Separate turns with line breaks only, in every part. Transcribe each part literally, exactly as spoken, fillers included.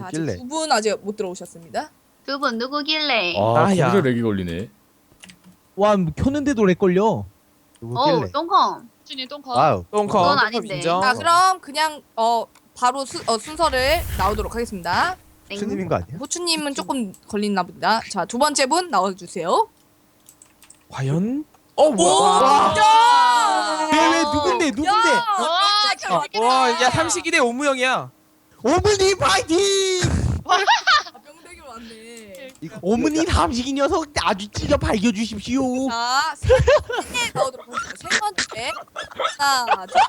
아직
누구길래?
두 분 아직 못 들어오셨습니다.
두 분 누구길래?
아,
아, 야.
거기서 렉이 걸리네.
와, 뭐 켰는데도 렉 걸려.
어,
누구길래?
똥콩.
준이 똥커.
와우.
똥커.
그건 아닌데.
인정.
자, 그럼 그냥 어 바로 수, 어, 순서를 나오도록 하겠습니다.
땡.
추님인 거 아니야?
호추님은 조금 걸리나 보다. 자, 두 번째 분 나와주세요.
과연? 어, 뭐야?
와! 야!
왜, 왜, 누군데, 누군데?
와,
자,
재밌겠다.
와, 야, 삼식이 대 오무영이야. 오무님 파이팅!
아, 명대결 왔네.
오무님 삼식이 녀석 아주 찢어 밝혀주십시오.
자, 세 번째 나오도록 하겠습니다. 세 번째. 하나, 둘,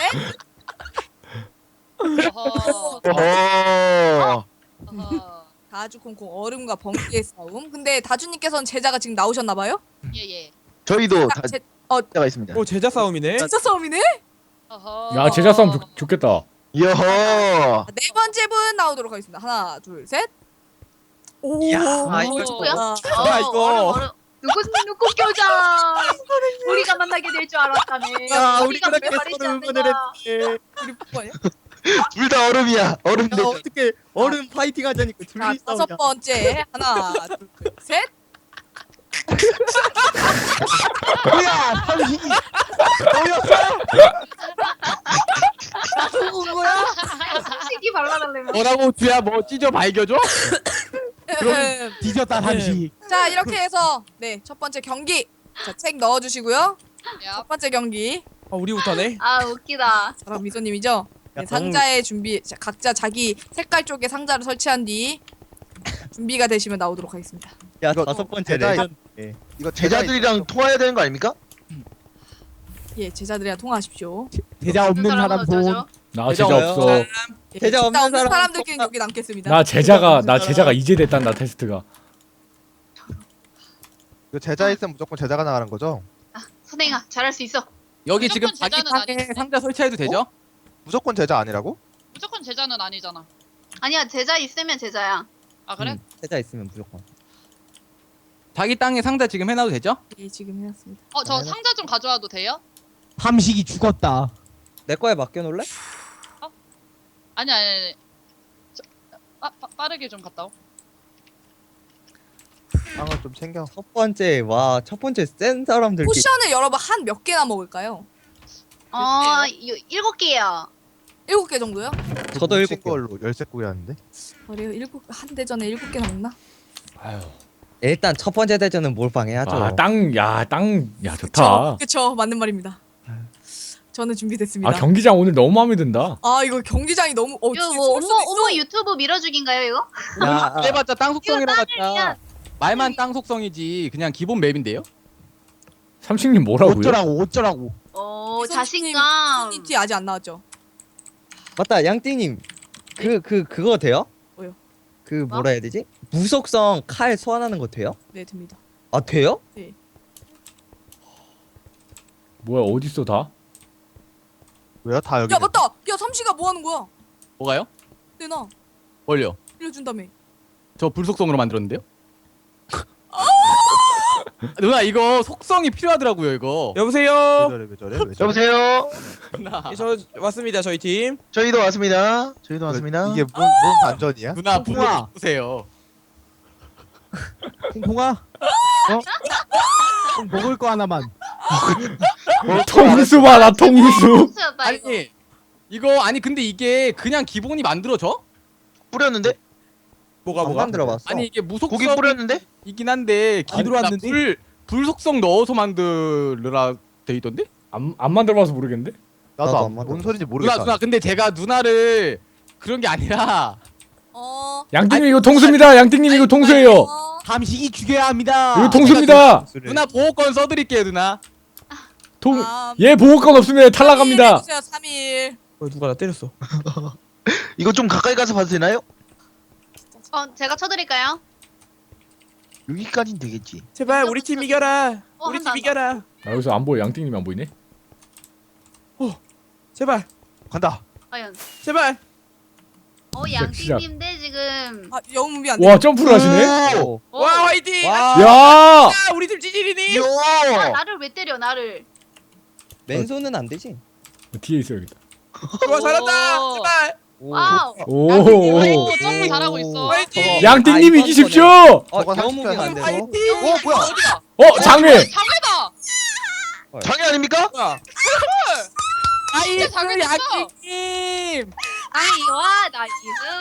셋.
어허.
어.
어허.
다주 콩콩 얼음과 번개의 싸움. 근데 다주님께서는 제자가 지금 나오셨나봐요?
예, 예.
저희도 다
제, 어,
제가 있습니다.
오, 제자 싸움이네.
진짜 싸움이네?
어허.
야, 제자 싸움 좋, 좋겠다.
여허.
자, 네 번째 분 나오도록 하겠습니다. 하나, 둘, 셋. 오,
야,
아,
이거
누구야?
아,
아, 이거.
얼음, 얼음. 누구 누구 교자? 우리가 만나게 될 줄 알았다네.
야, 우리
우리가
그렇게
말했지
서로
않느냐.
응원을 했지.
우리 뭐예요?
둘 다 얼음이야. 얼음 대.
야, 어떻게 얼음 파이팅 하자니까
자,
둘이
다섯
싸우자.
번째. 하나, 둘, 셋.
뭐야, 삼식이. 너였어?
누군 거야? 삼식이 발라달래면.
뭐라고 주야 뭐 찢어 밝혀줘?
음,
뒤졌다 삼식.
자, 이렇게 해서 네, 첫 번째 경기. 자, 책 넣어주시고요.
야,
첫 번째 경기.
아, 우리부터네.
아 웃기다.
바로 미소님이죠. 네,
야,
상자에 준비. 자, 각자 자기 색깔 쪽에 상자를 설치한 뒤 준비가 되시면 나오도록 하겠습니다.
야
이거
다섯 번째
제자-
레전
이거 제자들이랑 통화해야 되는 거 아닙니까?
예, 제자들이랑 통화하십시오.
제자 없는 사람
어쩌죠?
돈.
나
제자
제자
없어요.
없어.
예,
제자 없는
없는
사람
사람들끼리 여기 남겠습니다.
나 제자가 나
제자
제자가 이제 됐단다 테스트가.
이거 제자 있으면 무조건 제자가 나가는 거죠?
선행아 잘할 수 있어.
여기
무조건
지금 자기
제자는
방에
아니지.
상자 설치해도 되죠?
무조건 제자 아니라고?
무조건 제자는 아니잖아.
아니야 제자 있으면 제자야.
아, 그래?
음, 제자 있으면 무조건
자기 땅에 상자 지금 해놔도 되죠?
예, 지금 해놨습니다.
어, 저 상자 좀 가져와도 돼요?
삼식이 죽었다.
내 거에 맡겨놓을래?
아니, 아니, 아니. 저, 아, 빠, 빠르게 좀 갔다 오.
빵을 좀 챙겨.
첫 번째 와 첫 번째 센 사람들
포션을 여러분 한 몇 개나 먹을까요?
어 요- 일곱 개요.
일곱 개 정도요?
저도 일곱 개.
걸로 열쇠 구였는데.
그래요? 일곱 한 대전에 일곱 개나 먹나?
아유.
일단 첫 번째 대전은 몰빵해야죠.
아, 땅, 야, 땅, 야, 좋다.
그쵸, 그쵸, 맞는 말입니다. 저는 준비됐습니다.
아, 경기장 오늘 너무 마음에 든다.
아, 이거 경기장이 너무 어,
이거
진짜
뭐
쏠
오모
수도 있어.
오모 유튜브 밀어주기인가요 이거?
야,
해봤자 땅 속성이라
이거 땅을
봤자 말만 땅 속성이지 그냥 기본 맵인데요?
삼식님 뭐라고요?
어쩌라고 어쩌라고.
오
미소님,
자신감.
미소님 뒤 아직 안 나왔죠?
맞다 양띵님 그 그 그거 돼요?
뭐요?
그 뭐라 해야 되지? 무속성 칼 소환하는 거 돼요?
네, 됩니다.
아 돼요?
뭐야, 어딨어 다?
왜요? 다 여기.
야, 맞다. 야, 삼시가 뭐 하는 거야?
뭐가요?
내놔.
뭘요?
빌려준다며.
저 불속성으로 만들었는데요? 누나 이거 속성이 필요하더라고요 이거.
왜
여보세요.
저래 왜 저래 왜 저래? 여보세요.
누나
예, 저 왔습니다. 저희 팀.
저희도 왔습니다. 저희도 왔습니다. 이게 뭔, 뭔 반전이야?
누나
통화.
보세요. 통통아. 어? 좀 먹을 거 하나만.
통수 봐라, 통수.
수였다 이거.
아니 이거 아니 근데 이게 그냥 기본이 만들어져?
뿌렸는데?
뭐가
안
뭐가?
만들어봤어.
아니 이게 무속성
고기 뿌렸는데?
이긴 한데
안 들어왔는데?
불 불속성 넣어서 만들라 돼 있던데?
안, 안 만들어봐서 모르겠는데?
나도
나도
안,
안
뭔
만들었어.
소리인지
누나
모르겠다.
누나 근데 제가 누나를 그런 게 아니라
어.
양띵님 이거 통수입니다. 양띵님 이거 통수예요.
어.
삼식이 죽여야 합니다.
이거 통수입니다.
누나 보호권 써드릴게요 누나.
통,
다음.
얘 보호권 없으면 탈락합니다.
삼 일 해주세요, 삼 일.
어, 누가 나 때렸어.
이거 좀 가까이 가서 봐도 되나요?
어 제가 쳐드릴까요?
여기까진 되겠지.
제발 우리 팀 이겨라.
어,
우리
한다,
팀 이겨라.
아, 여기서 안 보여. 양띵님이 안 보이네.
제발.
간다.
과연.
제발.
어
시작.
양띵님인데 지금.
아, 영웅비 안 돼.
와, 점프를 하시네?
오!
어.
와 화이팅.
와
야!
아, 우리 팀 찌질이니?
아,
요!
나를 왜 때려 나를.
맨손은 안 되지.
뒤에 있어야겠다.
좋아 잘한다.
오.
제발.
와우.
오.
오, 점프 잘하고 있어.
화이팅!
양띵님
아,
이기십시오.
어,
저거
영무빙 안
삼십
되고.
어 뭐야?
어디가?
어, 장애.
장애다.
장애 아닙니까?
뭐야?
진짜 장애됐어.
양띵님.
아이와 나이스.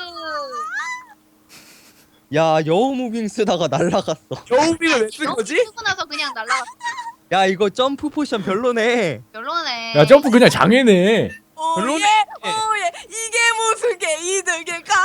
야, 여우무빙 쓰다가 날라갔어.
여우비를 왜 쓴
너무
거지?
쓰고 나서 그냥 날라갔어.
야, 이거 점프 포션 별로네.
별로네.
야, 점프 그냥 장애네.
별로네.
오예 오예 이게 무슨 게 이득일까?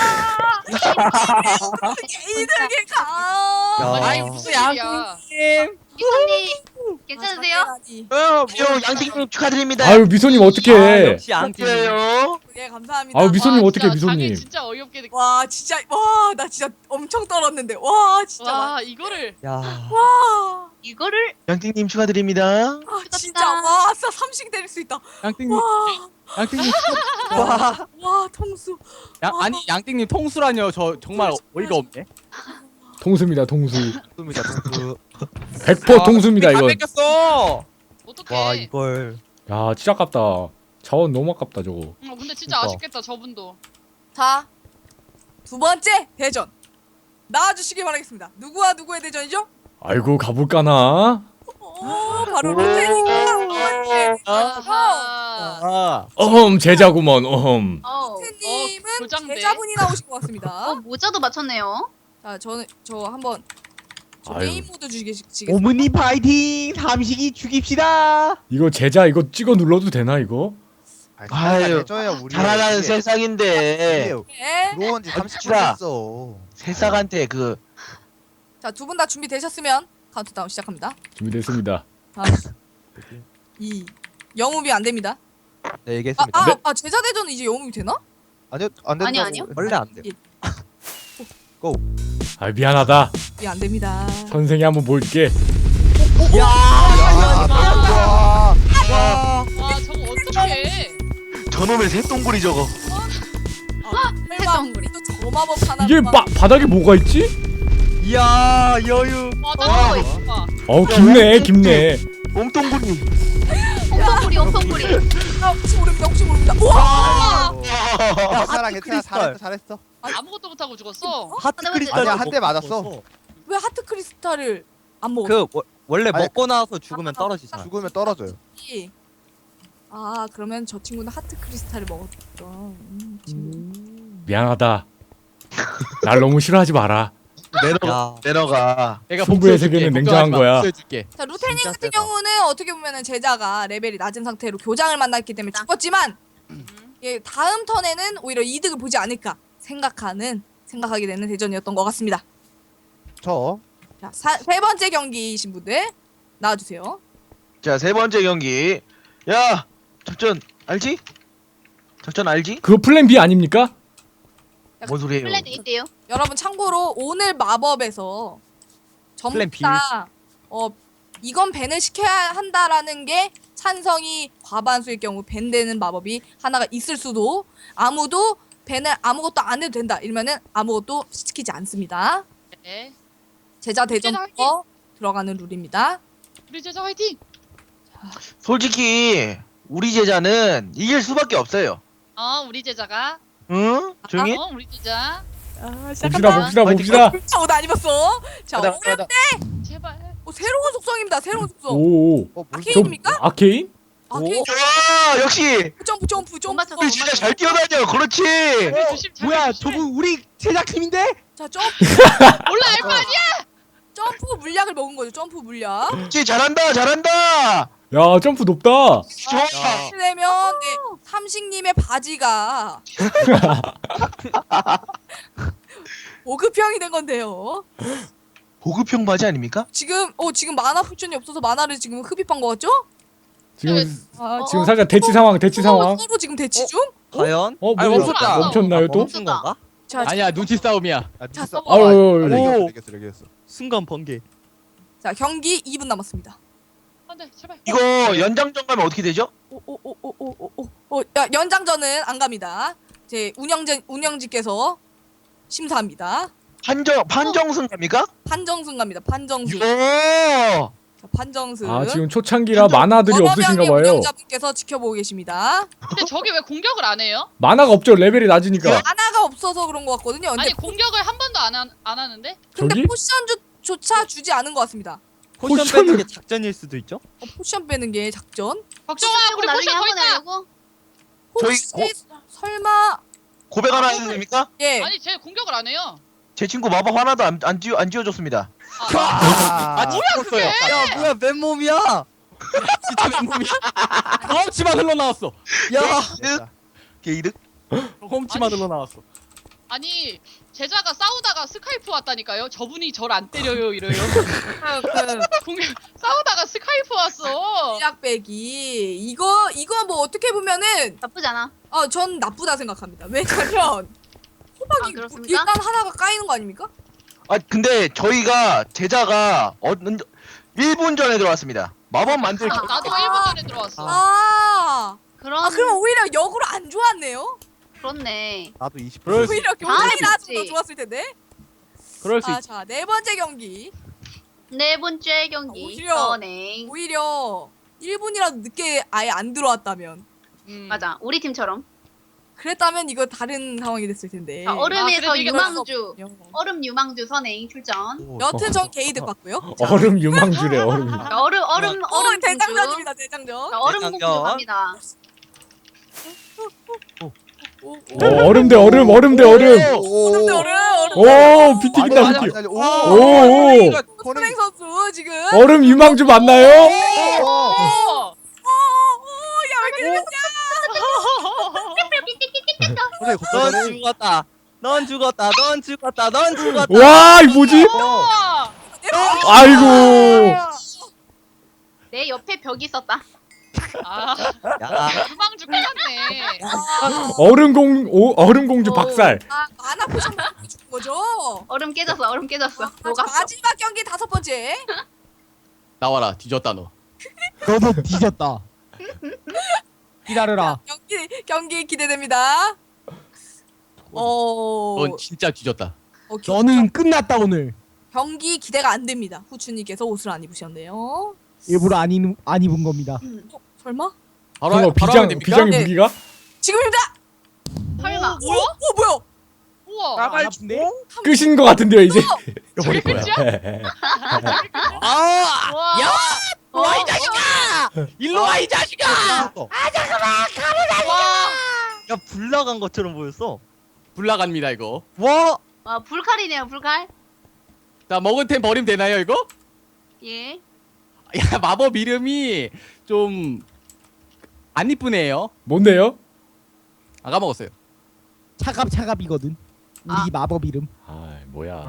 이게 이득일까?
야.
아니 무슨 일이야?
양띵님.
기사님 괜찮으세요?
어,
저 양띵님 축하드립니다.
아유, 미소님
아,
어떡해.
역시 양띵.
축하드려요.
예 감사합니다.
아유, 미소님
와,
어떡해,
진짜
미소님.
장애 진짜 어이없게 느껴.
와 진짜 와 나 진짜 엄청 떨었는데 와 진짜
와 이거를
야.
와
이거를
양띵님 축하드립니다.
아, 진짜 와 아싸 삼식 때릴 수 있다.
양띵님,
와
양띵님.
와.
와 통수.
양, 아니 양띵님 통수라뇨. 저 정말 어이가 없네.
통수입니다, 통수.
입니다. 동수.
백 퍼센트 통수입니다,
다
이건.
뺏겼어.
어떡해?
와, 이걸.
야, 진짜 아깝다. 자원 너무 아깝다, 저거.
어, 근데 진짜
그러니까.
아쉽겠다 저분도.
자 두 번째 대전 나와주시기 바라겠습니다. 누구와 누구의 대전이죠?
아이고, 가볼까나?
오 바로 루테님과 루테님.
아하.
아.
어흠, 제자구먼, 어흠.
어.
루테님은
어, 교장대.
제자분이 나오신 것 같습니다.
어 모자도 맞췄네요.
자 저는 저 한번 저
아유.
게임 모드 주시겠습니다.
오므니 파이팅. 삼식이 죽입시다.
이거 제자 이거 찍어 눌러도 되나, 이거?
아유,
해줘야 우리.
잘하는 세상인데
네.
들어온 지 삼십 분
진짜.
됐어.
세상한테 그
자두 분 다 준비되셨으면 카운트다운 시작합니다.
준비됐습니다.
삼, 이 영웅이 안 됩니다.
네
아,
얘기했습니다.
아, 아 제자 대전은 이제 영웅이 되나?
아니요 안 된다고.
아니요, 아니요.
원래 안 돼.
아, 미안하다.
이게 안 됩니다.
선생이 한번 볼게.
야, 와.
와 저거 어떡해?
저놈의 새똥구리 저거.
설마 또저 마법 하나.
이게 바, 바닥에 뭐가 있지?
이야, 여유.
와 따라오고 있어.
어우, 깊네, 깊네.
몸똥구리.
엉덩구리 엉덩구리.
아, 혹시 모릅니다. 혹시 모릅니다. 우와!
괜찮아 괜찮아
크리스탈.
잘했어 잘했어.
아무것도 못하고 죽었어.
하트
근데
크리스탈.
아니야, 한대 맞았어.
왜 하트 크리스탈을 안 먹었지?
그 워, 원래
아니,
먹고 나서 죽으면 떨어지잖아.
죽으면 떨어져요.
아 그러면 저 친구는 하트 크리스탈을 먹었던 음, 친구.
미안하다. 날 너무 싫어하지 마라.
내려가.
야.
내려가.
내가
승부의
복수해줄게,
세계는
걱정하지
냉정한
마,
거야.
복수해줄게.
자 루테님
진짜
같은
세다.
경우는 어떻게 보면은 제자가 레벨이 낮은 상태로 교장을 만났기 때문에 죽었지만 예, 다음 턴에는 오히려 이득을 보지 않을까 생각하는 생각하게 되는 대전이었던 것 같습니다.
저
자, 사, 세 번째 경기이신 분들 나와주세요.
자, 세 번째 경기. 야, 작전 알지? 작전 알지?
그거 플랜 B 아닙니까?
뭔 소리예요?
플랜 있대요.
여러분 참고로 오늘 마법에서 전부
플랜 B.
다 어, 이건 밴을 시켜야 한다라는 게 찬성이 과반수일 경우 밴되는 마법이 하나가 있을 수도 아무도 밴을 아무것도 안 해도 된다 이러면은 아무것도 시키지 않습니다.
네.
제자
제자
대전부터 들어가는 룰입니다.
우리 제자 화이팅.
솔직히 우리 제자는 이길 수밖에 없어요.
어 우리 제자가.
응? 조용히?
어 우리 제자.
아,
봅시다, 봅시다, 봅시다.
옷 안 입었어. 자,
가자,
어려...
가자.
제발.
어, 새로운 속성입니다. 새로운 속성.
오.
어, 뭘
아케인입니까?
아케인?
아케인.
와, 역시
점프 점프
못
점프.
맞췄어.
우리 진짜 잘 뛰어다녀. 그렇지.
잘 조심 잘
뭐야,
조심해.
저분 우리 제작팀인데?
자, 점프
몰라 알거 아니야.
점프 물약을 먹은 거죠. 점프 물약.
그렇지, 잘한다, 잘한다.
야, 점프 높다.
좋아.
그러면 네, 삼식님의 바지가 보급형이 된 건데요.
보급형 바지 아닙니까?
지금 어 지금 만화 푸션이 없어서 만화를 지금 흡입한 거 같죠?
지금
아,
어,
지금 살짝 대치 상황, 대치 상황.
서로 지금 대치 중?
과연?
어,
아니,
뭐야?
멈췄다.
멈췄나요 또?
멈춘 건가?
자,
아니야 눈치 싸움이야.
아,
자,
눈치 싸-
써봐.
아유,
아,
아유,
이겼어,
오.
이겼어, 이겼어, 이겼어.
순간 번개.
자 경기 이 분 남았습니다.
안돼 제발.
이거 연장전 가면 어떻게 되죠?
오오오오오오오 야 연장전은 안 갑니다. 제 운영진 운영진께서 심사합니다.
판정 판정승 갑니까?
판정승 갑니다. 판정승.
이거
자, 판정승.
아 지금 초창기라 만화들이 없으신가 봐요.
운영자분께서 지켜보고 계십니다.
근데 저게 왜 공격을 안 해요?
만화가 없죠. 레벨이 낮으니까.
하나가 없어서 그런 것 같거든요. 근데,
아니 공격을 한 번도 안, 하, 안 하는데?
근데
저기?
포션조차 주지 않은 것 같습니다.
포션
포션을-
빼는 게 작전일 수도 있죠?
어, 포션 빼는 게 작전?
걱정아 우리
나중에
포션 더
한번
있다.
하려고.
혹시
저희
설마
고백 하나 해도 됩니까?
예
아니 쟤 공격을 안 해요.
제 친구 마법 하나도 안, 안, 지워, 안 지워줬습니다.
아,
죽었어요.
야 뭐야 맨몸이야.
진짜 맨몸이야? 경험치만 흘러나왔어.
야
게이득?
경험치만
아니.
흘러나왔어.
아니 제자가 싸우다가 스카이프 왔다니까요. 저분이 절 안 때려요 이래요.
그
공격 싸우다가 스카이프 왔어.
전략 빼기 이거 이거 뭐 어떻게 보면은
나쁘지 않아.
어 전 나쁘다 생각합니다. 왜냐면
아,
호박이
그렇습니까?
일단 하나가 까이는 거 아닙니까?
아 근데 저희가 제자가 어, 일 분 전에 들어왔습니다. 마법 만들
아, 나도 일 분 전에 들어왔어.
아,
그런
아 그러면 오히려 역으로 안 좋았네요.
그렇네.
나도 이십
그럴
분.
수-
오히려
아,
교장이 나왔으면 더
그렇지.
좋았을 텐데.
그럴 수
아,
있지.
자, 네 번째 경기.
네 번째 경기.
오히려-
선행.
오히려 일 분이라도 늦게 아예 안 들어왔다면
음.
맞아. 우리 팀처럼.
그랬다면 이거 다른 상황이 됐을 텐데.
자,
아,
얼음에서
그래도 이게
유망주.
요
얼음 유망주 선행 출전.
여튼 전 게이득 봤고요.
얼음 유망주래 얼음.
자, 얼음 얼음
어,
얼음 공주.
대장전입니다, 대장전.
자, 얼음
대장전.
공주 갑니다.
오, 오.
어, 얼음 대 얼음 얼음 대 얼음.
얼음 대 얼음, 얼음.
오 비티긴다
맞아,
비티.
맞아.
오,
오.
오.
선행 선수 지금.
얼음 유망주 맞나요?
오,
어.
오, 야, 왜 이렇게 됐냐?
그래,
넌
그래.
죽었다. 넌 죽었다. 넌 죽었다. 넌 죽었다.
와 이 뭐지?
우와.
아이고.
내 옆에 벽이 있었다.
아
야
유망주 끝났네.
얼음 공 오, 얼음 공주
오.
박살.
아, 만화 포션 먹고 죽은 거죠?
얼음 깨졌어. 얼음 깨졌어.
아,
녹았어.
마지막 경기 다섯 번째.
나와라 뒤졌다 너.
너도 뒤졌다. 기다려라.
경기 경기 기대됩니다. 어,
넌 진짜 뒤졌다.
어, 겨-
너는 끝났다 오늘.
경기 기대가 안 됩니다. 후추님께서 옷을 안 입으셨네요.
일부러 안, 입, 안 입은 겁니다.
어, 설마?
바로
그거
하- 바로
비장
하면 됩니까?
비장의
네.
무기가?
지금입니다.
설마.
뭐야?
오, 뭐야?
우와.
안 아픈데?
끝인 것 같은데요 이제. 이거 버릴
저게
거야.
아!
와.
야!
어,
와, 이 자식아! 일로 와, 이 자식아!
와.
야, 불 나간 것처럼 보였어.
불 나갑니다 이거.
와!
와, 불칼이네요. 불칼.
자 먹은 템 버리면 되나요 이거?
예.
야 마법 이름이 좀 안 이쁘네요.
뭔데요?
아 까먹었어요.
차갑 차갑이거든. 우리
아.
마법 이름.
아 뭐야?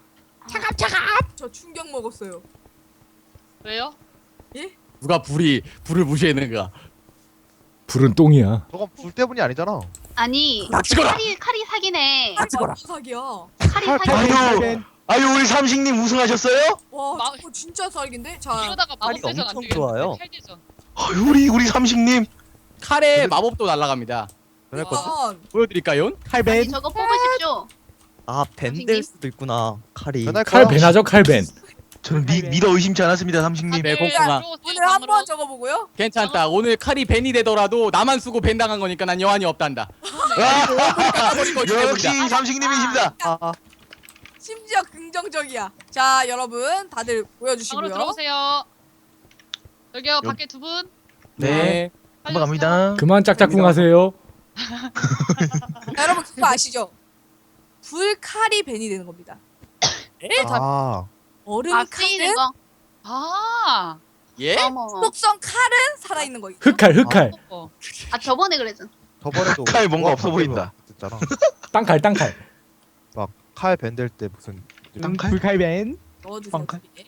저 충격 먹었어요.
왜요?
누가 불이 불을 무시했는가?
불은 똥이야.
저건 불 때문이 아니잖아.
아니,
닥치거라!
칼이 칼이 사기네.
아, 완전 사기야.
칼이
칼,
사기.
아유 아유 우리 삼식님 우승하셨어요?
와,
마-
저거 진짜 사기인데. 자,
이러다가
팔이
마법 대전 안
엄청
되겠네.
좋아요.
칼대전.
아유 우리 우리 삼식님
칼에 마법도 날아갑니다.
그랬거든.
일단
보여드릴까요?
아니,
칼벤.
저거 뽑으십시오.
아, 밴 될 수도 있구나. 칼이.
맨날 거야.
칼벤하죠 칼벤.
저는 미, 믿어 의심치 않았습니다 삼식님.
네, 콩콩아.
오늘 한번 적어보고요.
괜찮다. 오늘 칼이 벤이 되더라도 나만 쓰고 벤 당한 거니까 난 여한이 없단다. 깎아버린 거지
역시
때문이다.
삼식님이십니다.
아, 아.
심지어 긍정적이야. 자, 여러분 다들
방으로
보여주시고요.
들어오세요. 여기요 밖에 두 분.
네.
한번 갑니다.
그만 짝짝꿍하세요.
자, 여러분 그거 아시죠? 불칼이 벤이 되는 겁니다.
아,
얼음
아, 쓰이는
칼은
거.
아.
예?
어머.
속성 칼은 살아있는 거 있죠?
흑칼 흑칼.
어.
아, 저번에 그랬잖아.
저번에도
칼 뭔가
우와,
없어
밖에서
보인다.
됐잖아.
땅칼 땅칼.
칼 밴들 때 무슨
응, 불칼벤.
넣어주세요.
빵칼?
뒤에.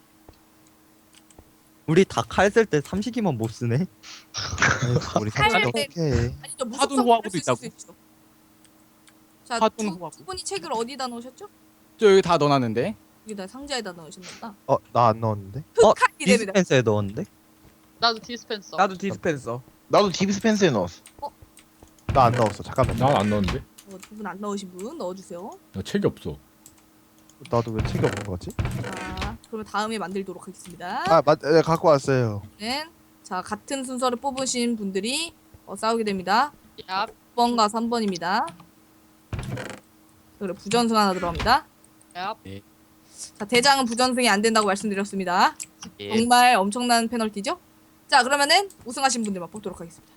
우리 다 칼 쓸 때 삼식이만 못 쓰네.
아유, 우리
칼
삼식
밴.
어떻게?
아니 저
화둔
무속성
호화구도
쓸수
있다고.
있죠. 자,
화둔
두,
호화구.
두 분이 책을 어디다 넣으셨죠?
저 여기 다 넣어놨는데.
여기다 상자에다 넣으셨나?
어, 나 안 넣었는데.
어,
흑칼이 됩니다.
디스펜서에 넣었는데?
나도 디스펜서.
나도 디스펜서.
나도 딥스펜스에 넣었어.
나 안 넣었어. 잠깐만.
난 안 넣었는데.
어, 두 분 안 넣으신 분 넣어주세요.
나 책이 없어.
나도 왜 책이 없는 거지?
자, 그러면 다음에 만들도록 하겠습니다.
아, 맞, 네, 갖고 왔어요.
네. 자, 같은 순서를 뽑으신 분들이 어, 싸우게 됩니다.
야,
육 번과 삼 번입니다. 그리고 부전승 하나 들어갑니다.
야,
자, 대장은 부전승이 안 된다고 말씀드렸습니다.
예.
정말 엄청난 페널티죠? 자, 그러면은 우승하신 분들만 뽑도록 하겠습니다.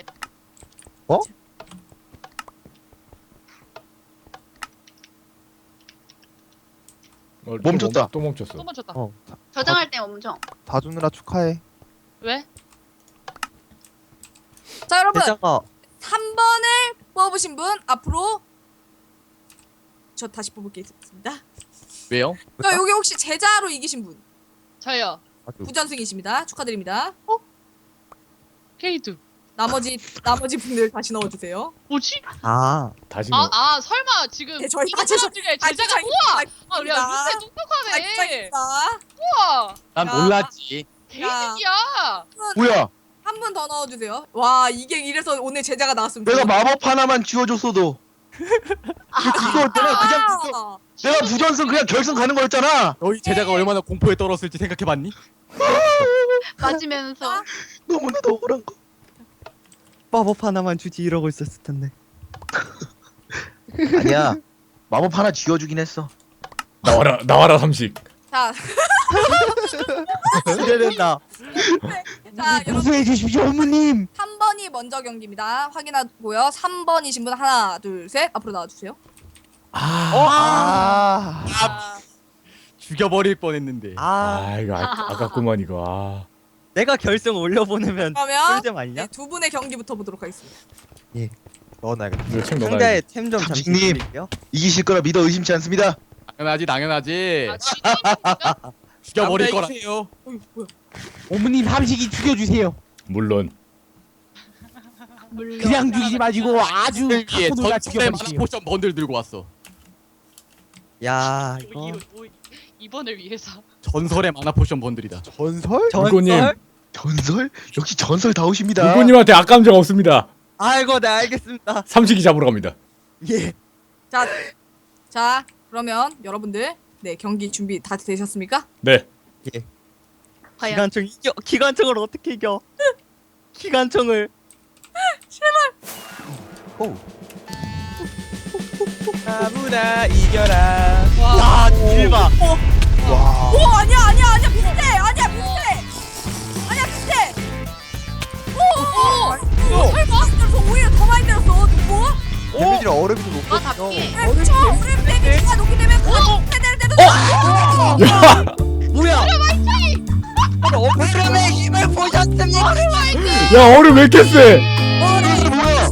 어, 또
멈췄다.
멈- 또 멈췄어.
또 멈췄다.
어.
저장할 때 엄청.
다주느라 축하해.
왜?
자, 여러분
대자가
삼 번을 뽑으신 분 앞으로 저 다시 뽑을 게 있습니다.
왜요?
자, 여기 혹시 제자로 이기신 분
저요.
부전승이십니다. 축하드립니다.
케이드.
나머지 나머지 분들 다시 넣어주세요.
뭐지?
아
다시
아,
뭐
아, 설마 지금
네, 저희
이
다
사람 중에 제자가 우와! 아, 야, 루테 똑똑하네.
자기장입니다.
우와!
난
야.
몰랐지.
개이득이야.
뭐야?
한 분 더 넣어주세요. 와, 이게 이래서 오늘 제자가 나왔습니다.
내가 마법 하나만 지워줬어도 이거 내가 그냥 부전-
아,
내가 부전승 그냥 결승 가는 거였잖아.
너희 제자가 얼마나 공포에 떨었을지 생각해봤니?
맞으면서.
너무나도 억울한 거.
마법 하나만 주지 이러고 있었을 텐데.
아니야. 마법 하나 지워주긴 했어.
나와라 나와라 삼식.
자,
기대된다.
자, 여러분
무수해 주십시오 어머님.
삼 번이 먼저 경기입니다. 확인하고요. 삼 번이신 분 하나, 둘, 셋 앞으로 나와주세요.
아,
아,
죽여버릴 뻔했는데.
아
아 이거 아, 아깝구만 이거. 아.
내가 결승 올려보내면
그러면
꿀잼 아니냐?
네, 두 분의 경기부터 보도록 하겠습니다.
넣어놔야겠다.
이거 책 넣어놔야
상대의 템 좀 잠시
삼식님.
드릴게요.
이기실 거라 믿어 의심치 않습니다.
당연하지, 당연하지.
아, 지인이니까?
죽여버릴 거라.
어이, 뭐야?
어머님 삼식이 죽여주세요.
물론.
물론.
그냥 죽이지 마시고 아주
위에
갖고 놀라
전투의 만화
죽여버리세요.
포션 번들 들고 왔어.
야
이-
이거
이- 이- 이번을 위해서.
전설의 만화 포션 번들이다.
전설?
물고님.
전설?
전설? 역시 전설 다우십니다.
물고님한테 악감정 없습니다.
아이고 네 알겠습니다.
삼식이 잡으러 갑니다.
예.
자, 자, 그러면 여러분들 네 경기 준비 다 되셨습니까?
네.
과연.
기관총 이겨. 기관총을 어떻게 이겨? 기관총을.
오.
아무나 이겨라.
야 대박.
와.
오, 아니야, 아니야, 아니야, 비슷해, 아니야, 비슷해, 아니야, 비슷해. 오, 오, 오, 설마? 저 오히려 더 많이 때렸어. 누구?
데미지를 얼음이 좀
아,
높거든요.
답기.
네, 그쵸. 우리 데미지가 높기 때문에 그 세대를 때도.
야.
뭐야? 얼음의 힘을 보셨습니까?
야 얼음 왜 이렇게 세?
이게 뭐야?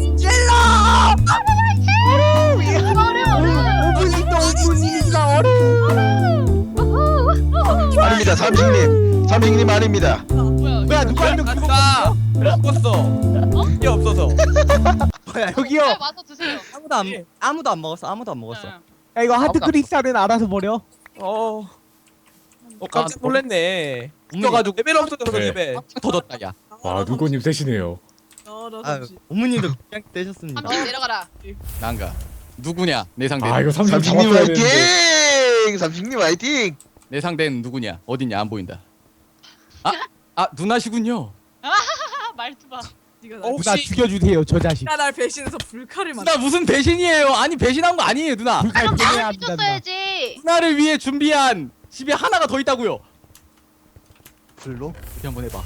아닙니다. 삼식님. 삼식님 아닙니다.
뭐야?
뭐야 누가 한명
갔다.
먹었어. 이게 없어서. 뭐야 여기요.
네, 와서 드세요.
아무도 안 아무도 안 먹었어. 아무도 안 먹었어.
응.
야 이거 하트 크리스탈은 알아서 버려.
어. 어 깜짝 놀랐네.
웃겨가지고
레벨 없어서
네.
레벨.
터졌다, 야.
와 누구님 세시네요.
아 어머님도 그냥 되셨습니다.
삼촌 내려가라.
난가. 누구냐? 내 상대.
아 이거 삼식
삼식님
잡았어야
화이팅!
되는데.
삼식님 화이팅!
내 상대는 누구냐? 어딨냐? 안 보인다. 아, 아 누나시군요.
아, 말투 봐.
네가
어,
날,
누나
혹시
죽여주세요 저 자식.
네가 날 배신해서 불칼을 만.
누나 무슨 배신이에요? 아니 배신한 거 아니에요, 누나.
불칼
그럼
빼내야
나를
합니다, 누나.
믿었어야지.
누나를 위해 준비한 집에 하나가 더 있다고요.
불로?
어디 한번 해봐.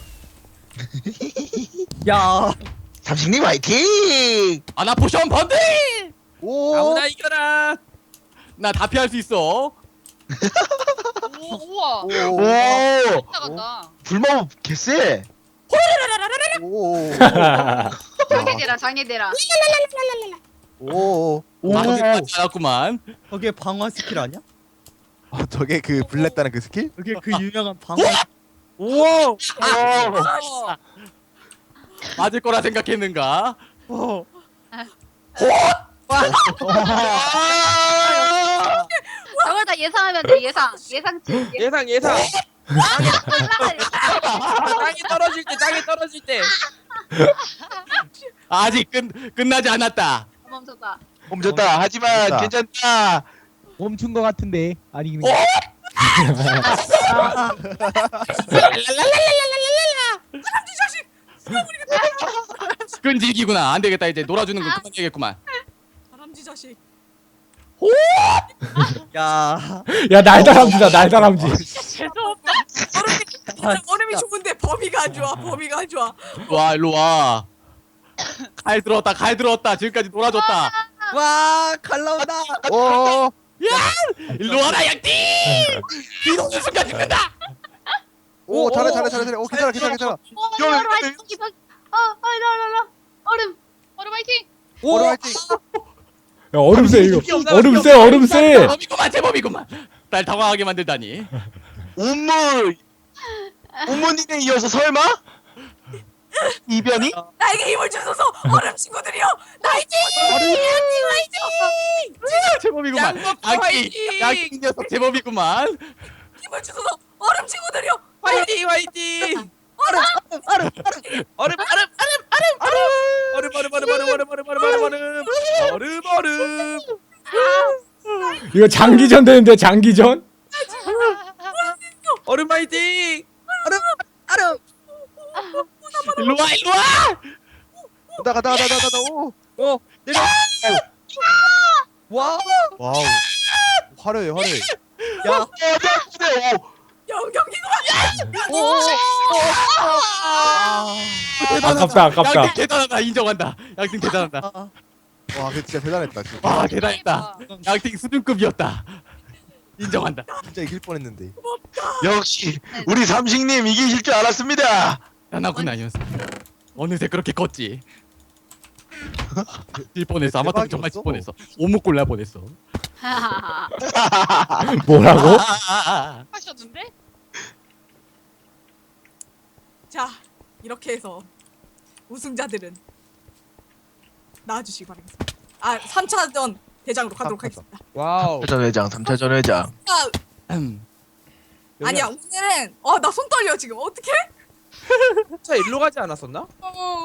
야
삼식님 화이팅!
아나 포션 번들.
오.
아무나 이겨라.
나 다 피할 수 있어.
오, 우와.
오.
오!
나간다.
불마법 개쎄!
오.
장애대라 장애대라.
오. 오.
아직까지 않았구만.
저게 방어 스킬 아니야?
아, 저게 그 불냈다는 그 스킬?
저게 그 유명한 방어.
오.
맞을 거라 생각했는가?
어.
저걸 다 예상하면 돼 예상. 예상치.
예상 예상.
예상.
땅이 떨어질 때 땅이 떨어질 때.
아직 끝 끝나지 않았다.
멈췄다.
멈췄다. 하지만
멈췄다.
괜찮다.
멈춘 거 같은데 아니 근데.
끈질기구나. 안 되겠다. 이제 놀아주는 건 그만 되겠구만.
다람쥐 자식.
야.
야 날다람쥐다 날다람쥐.
죄송합니다.
얼음이, 얼음이 좋은데 범위가 안 좋아. 범위가 안 좋아.
와 일로 와. 칼 들었다. 칼 들었다. 지금까지 놀아줬다.
와, 칼 나온다.
오.
일로 와라 양띵. 뒤도는 순간 죽는다.
오 잘해 잘해 잘해 잘해. 오 괜찮아 괜찮아 괜찮아.
어, 얼음 화이팅. 어, 어, 일로 와, 일로 와. 얼음.
얼음 화이팅.
오,
오늘 화이팅.
야 얼음 세 이거. 얼음 세 얼음 세.
제법이구만 제법이구만. 날 당황하게 만들다니.
운물 부모님에 이어서 설마 이변이?
나에게 힘을 주소서 얼음 친구들이여. 나에게
제법이구만. 양띵 양띵 녀석 제법이구만.
힘을 주소서 얼음 친구들이여.
화이팅 화이팅.
얼음, 얼음, 얼음.
얼음 얼음 얼음 얼음 얼음 얼음 얼음 얼음 얼음 얼음 얼음 얼음 얼음.
이거 장기전 되는데 장기전?
얼음 화이팅.
얼음.
일로 와 일로 와.
가다 가다 가다 가다. 오.
어 내려.
와.
와우. 화려해 화려해.
야.
네, 오.
영경이구만.
오.
아깝다 아깝다.
양띵 대단하다. 인정한다. 양띵 대단하다.
와 근데 진짜 대단했다 진짜.
와 대단했다. 양띵 수준급이었다. 인정한다.
진짜 이길 뻔했는데.
역시 우리 삼식님 이기실 줄 알았습니다.
대단하구나 이 녀석. 어느새 그렇게 컸지. 질 뻔했어. 아마도 정말 질 뻔했어. 오목 골라 뻔했어.
뭐라고?
하셨는데?
자 이렇게 해서 우승자들은 나와주시기 바랍니다. 아 삼 차전 대장으로 가도록
삼 차전.
하겠습니다.
와우.
삼 차전 회장, 삼 차전 회장.
아,
음.
아니야 오늘은 어 나 손 떨려 지금 어떡해?
차 일로 가지 않았었나?
어.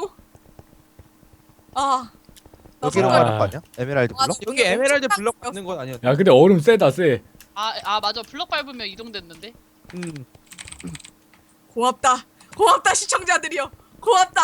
아. 나
여기로
손
아.
떨려.
가는 거 아니야? 에메랄드
아,
블럭?
여기 에메랄드 블럭 받는 건 아니었나?
야 근데 얼음 세다 세.
아, 아 맞아. 블럭 밟으면 이동됐는데.
음.
고맙다. 고맙다 시청자들이여. 고맙다.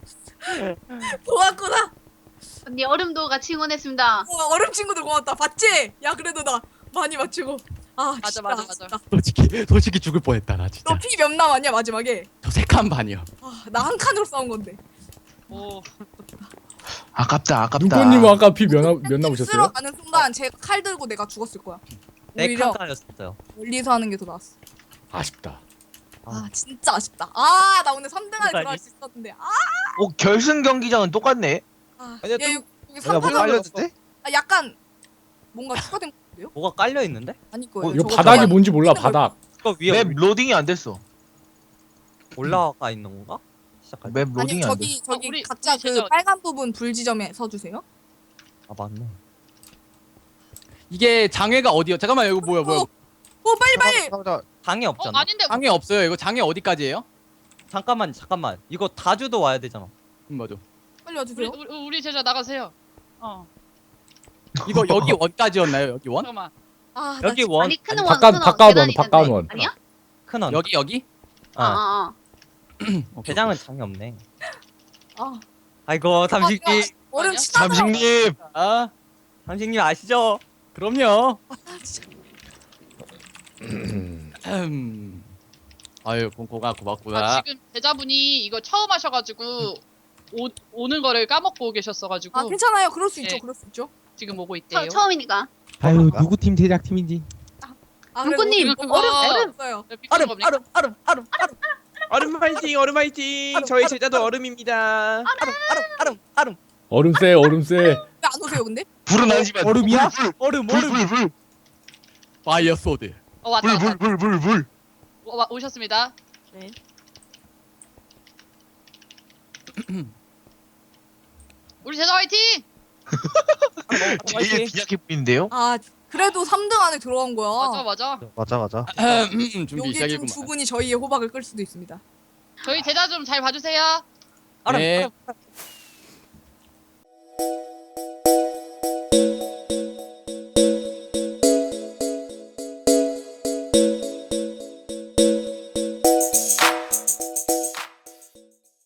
고맙구나.
언니 얼음도 같이 응원했습니다.
어, 얼음 친구들 고맙다. 봤지? 야 그래도 나 많이 맞추고. 아
맞아,
진짜,
맞아, 맞아.
진짜.
솔직히 솔직히 죽을 뻔했다 나 진짜.
너 피 몇 남았냐 마지막에?
저 세 칸 반이요.
아, 나 한 칸으로 싸운 건데.
오.
아깝다, 아깝다.
눈꽃님 아까 피몇몇
쓰러
남으셨어요?
가는 순간 제가 칼 들고 내가 죽었을 거야.
네
오히려
칸짜리였어요.
멀리서 하는 게 더 나았어.
아쉽다.
아 진짜 아쉽다. 아 나 오늘 삼 등 안에 들어갈 수 있었는데. 아,
오, 결승 경기장은 똑같네.
아.
아니야,
야,
좀-
여기, 여기
내가 뭐
삼 등
깔렸는데?
아 약간 뭔가 추가된 건데요?
뭐가 깔려 있는데?
아닐 거예요.
어, 이거
저거
바닥이
저거-
뭔지 몰라 바닥.
그거 위에
맵 로딩이 안 됐어.
올라가 있는 건가? 시작할 때.
맵
아니
로딩이 안 됐어.
저기 저기
어, 우리-
각자
우리
그
제자-
빨간 부분 불 지점에 서주세요.
아 맞네.
이게 장애가 어디요? 잠깐만 이거 뭐야 뭐야?
어, 오 빨리 빨리.
상자
장애
어
없잖아.
아닌데.
장애 없어요. 이거 장애 어디까지예요?
잠깐만 잠깐만. 이거 다주도 와야 되잖아.
음 맞아.
빨리
우리,
와주세요.
우리 우리 제자 나가세요. 어.
이거 여기 원까지였나요? 여기 원?
잠깐만.
아, 나
여기
진짜-
원
아니 큰 원,
바깥-
큰 원,
바깥 원,
계단이
바깥
있는데.
원.
아니야?
큰원.
여기 여기?
아,
아,
아, 아.
대장은 장애 없네.
아,
아이고
아,
삼식님.
야, 얼음
아니야?
치다.
삼식님.
아
삼식님 아시죠?
그럼요.
아, 진짜.
음. 아유 공고가 고맙구나.
아, 지금 제자분이 이거 처음 하셔가지고 오, 오는 거를 까먹고 계셨어가지고
아 괜찮아요. 그럴 수 있죠.
네.
그럴 수 있죠.
지금 오고
처,
있대요.
처음이니까.
아유 누구 팀 제작팀인지.
아,
눈꽃님,
그래도
그거-
얼음
얼음.
얼음 없어요.
네, 삐끗한
얼음
겁니까?
얼음 얼음 얼음 얼음
얼음 화이팅 얼음 화이팅. 저희 제자도 얼음입니다.
얼음 얼음 얼음.
얼음 세 얼음 세.
왜 안 오세요 근데?
불은 아니지만
얼음이야?
불,
얼음
불, 불, 불, 불,
파이어 소드.
어 왔다
불,
왔다.
불, 불, 불, 불.
오, 와, 오셨습니다.
네.
우리 제자 화이팅!
제일 빈약해 보이는데요?
아 그래도 삼 등 안에 들어간 거야.
맞아 맞아.
맞아 맞아.
음, 준비
여기 중
시작이구만.
두 분이 저희의 호박을 끌 수도 있습니다.
저희 제자 좀 잘 봐주세요.
얼음
네.
얼음.